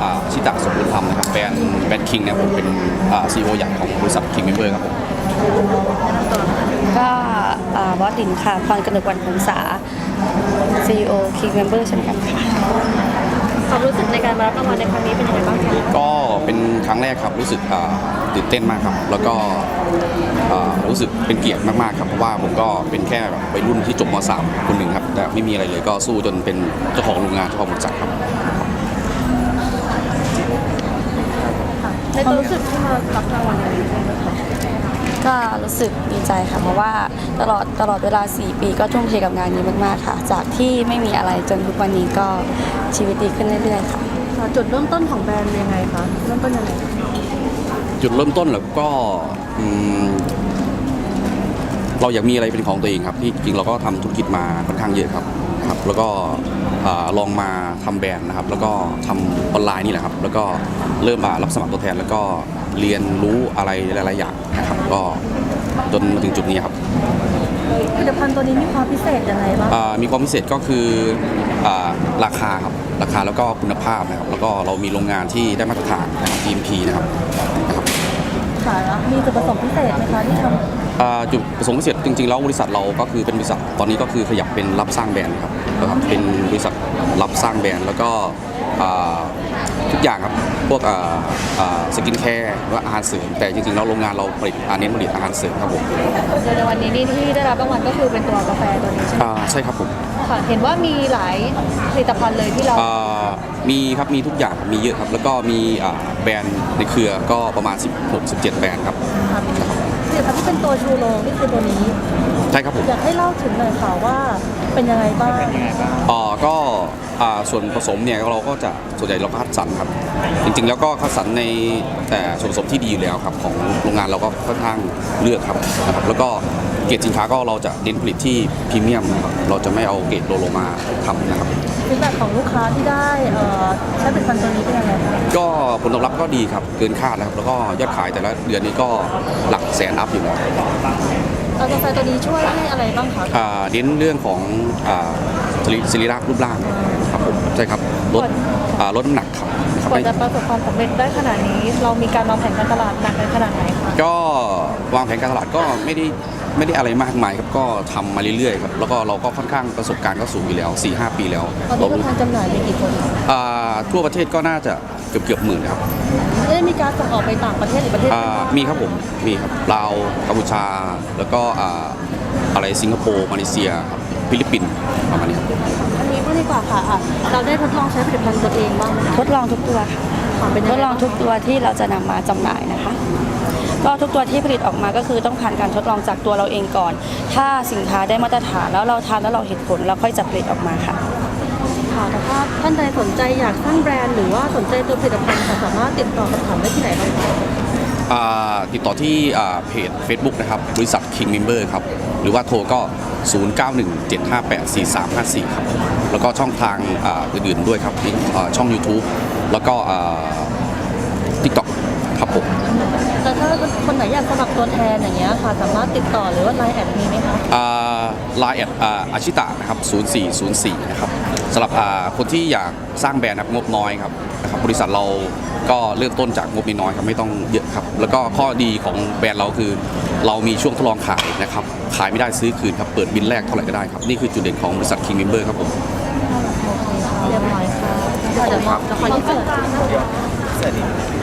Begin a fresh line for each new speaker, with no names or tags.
ชิตะสมบูรณ์ธรรมนะครับแบรนด์คิงเนี่ยผมเป็นCEO ใหญ่ของบริษัท King Member ครับผม
ก็บอสตินค่ะพรกนกวรรณพงษา CEO King Member เช่นกันค่ะ
ความรู้สึกในการมารับรางวัลในครั้งนี้เป็นยังไงบ้างคะ
ก็เป็นครั้งแรกครับรู้สึกตื่นเต้นมากครับแล้วก็รู้สึกเป็นเกียรติมากๆครับเพราะว่าผมก็เป็นแค่แบบวัยรุ่นที่จบม.3 คนหนึ่งครับแต่ไม่มีอะไรเลยก็สู้จนเป็นเจ้าของโรงงานเจ้าของบริษัทครับ
ในตัวรู้สึกที่มารับรางวัลนี้
ก็รู้สึกดีใจค่ะเพราะว่าตลอดเวลา4 ปีก็ทุ่มเทกับงานนี้มากๆค่ะจากที่ไม่มีอะไรจนทุกวันนี้ก็ชีวิตดีขึ้นเรื่อยๆค่ะ
จุดเริ่มต้นของแบรนด์ยังไงคะเริ่มต้นยังไง
จุดเริ่มต้นแล้วก็เราอยากมีอะไรเป็นของตัวเองครับที่จริงเราก็ทำธุรกิจมาค่อนข้างเยอะครับแล้วก็ลองมาทำแบรนด์นะครับแล้วก็ทำออนไลน์นี่แหละครับแล้วก็เริ่มรับสมัครตัวแทนแล้วก็เรียนรู้อะไรหลายๆอย่างนะครับก็จนมาถึงจุดนี้ครับ
ผลิตภัณฑ์ตัวนี้มีความพิเศษยังไงบ้าง
มีความพิเศษก็คือราคาครับราคาแล้วก็คุณภาพนะครับแล้วก็เรามีโรงงานที่ได้มาตรฐานนะครับ GMP นะครับ
ค่ะมีจุดประสงค์พิเศษไหมคะที่ทำ
จุดประสงค์พิเศษจริงๆแล้วบริษัทเราก็คือเป็นบริษัทตอนนี้ก็คือขยับเป็นรับสร้างแบรนด์ครับเป็นบริษัทรับสร้างแบรนด์แล้วก็ทุกอย่างครับพวกสกินแคร์หรือว่าอาหารเสริมแต่จริงๆแล้วโรงงานเราผลิตเน้นผลิตอาหารเสริมครับผม
ในวันนี้นี่ที่ได้รับรางวัลก็คือเป็นตัวกาแฟตัวนี้ใช่ไหม
ใช่ครับผม
ค่ะเห็นว่ามีหลายผลิตภัณฑ์เลยที่เรา
มีครับมีทุกอย่างมีเยอะครับแล้วก็มีแบรนด์ในเครือก็ประมาณ16-17แบรนด์ครับ
ผลิตภัณฑ์ที่เป็นตัวชูโรงนี่คือตัวนี้
ใช่ครับผม
อยากให้เล่าถึงหน่อยค่ะว่าเป็นยังไงบ้าง
ก็ส่วนผสมเนี่ยเราก็จะส่วนใหญ่เราก็คัดสรรครับจริงๆแล้วก็คัดสรรในแต่ส่วนผสมที่ดีอยู่แล้วครับของโรงงานเราก็ค่อนข้างเลือกครับนะครับแล้วก็เกรดสินค้าก็เราจะเน้นผลิตที่พรีเมียมนะครับเราจะไม่เอาเกรดโลมาทำนะครับ
ฟีดแบ็กของลูกค้าที่ได้ใช้ผลิตภัณฑ์ตัวนี้เป็นยังไงคะ
ก็ผลตอบรับก็ดีครับเกินคาดนะครับแล้วก็ยอดขายแต่ละเดือนนี้ก็หลักแสนอัพอยู่แล้ว
กาแฟตัวนี้ช่วยให้อะไรบ้างคะ
เน้นเรื่องของศิริรูปร่างครับผมใช่ครับลดน้ำหนักครับ
กว่าจะประสบความสำเร็จได้ขนาดนี้เรามีการวางแผนการตลาดหนักขนาดไหนคะ
ก็วางแผนการตลาดก็ไม่ได้อะไรมากมายครับก็ทำมาเรื่อยๆครับแล้วก็เราก็ค่อนข้างประสบการณ์ก็สูงอยู่แล้ว 4-5 ปีแล้ว
ตอนนี้ผู้ทานจำหน่ายมีกี่คน
ทั่วประเทศก็น่าจะเกือบหมื่นครับ
ได้มีการส่งออกไปต่างประเทศหรือประเทศ
มีครับผมมีครับลาวกัมพูชาแล้วก็อะไรสิงคโปร์มาเลเซียครับฟิลิปปินส์ประมาณนี้ครับ
อันนี้ก็ดีกว่าค่ะเราได้ทดลองใช้ผลิตภัณฑ์ตัวเองบ้างไหม
ทดลองทุกตัวค่ะทดลองทุกตัวที่เราจะนำมาจำหน่ายนะคะก็ทุกตัวที่ผลิตออกมาก็คือต้องผ่านการทดลองจากตัวเราเองก่อนถ้าสินค้าได้มาตรฐานแล้วเราทานแล้วเราเห็นผลเราค่อยจะผลิตออกมาค่ะ
ค่ะแต่ถ้าท่านใดสนใจอยากสร้างแบรนด์หรือว่าสนใจตัวผลิตภัณฑ์สามารถติดต่อสอบถามได้ที่ไหนบ้าง
ติดต่อที่เพจ Facebook นะครับบริษัท King Member ครับหรือว่าโทรก็0917584354ครับแล้วก็ช่องทางอื่นๆด้วยครับช่อง YouTube แล้วก็ TikTok ครับผม
แต่ถ้าคนไหนอยากสมัครตัวแทนอย่างเงี้ยค่ะสามารถติดต่อหรือว่า LINE แอดมีไหมคะ
LINE แอดอาชิตะนะครับ0404นะครับสำหรับคนที่อยากสร้างแบรนด์งบน้อยครับบริษัทเราก็เริ่มต้นจากงบน้อยครับไม่ต้องเยอะครับแล้วก็ข้อดีของแบรนด์เราคือเรามีช่วงทดลองขายนะครับขายไม่ได้ซื้อคืนครับเปิดบินแรกเท่าไหร่ก็ได้ครับนี่คือจุดเด่นของบริษัท King Member ครับผม
เรียบร้อยค่ะเดี๋ยวขอยืดเสื้อ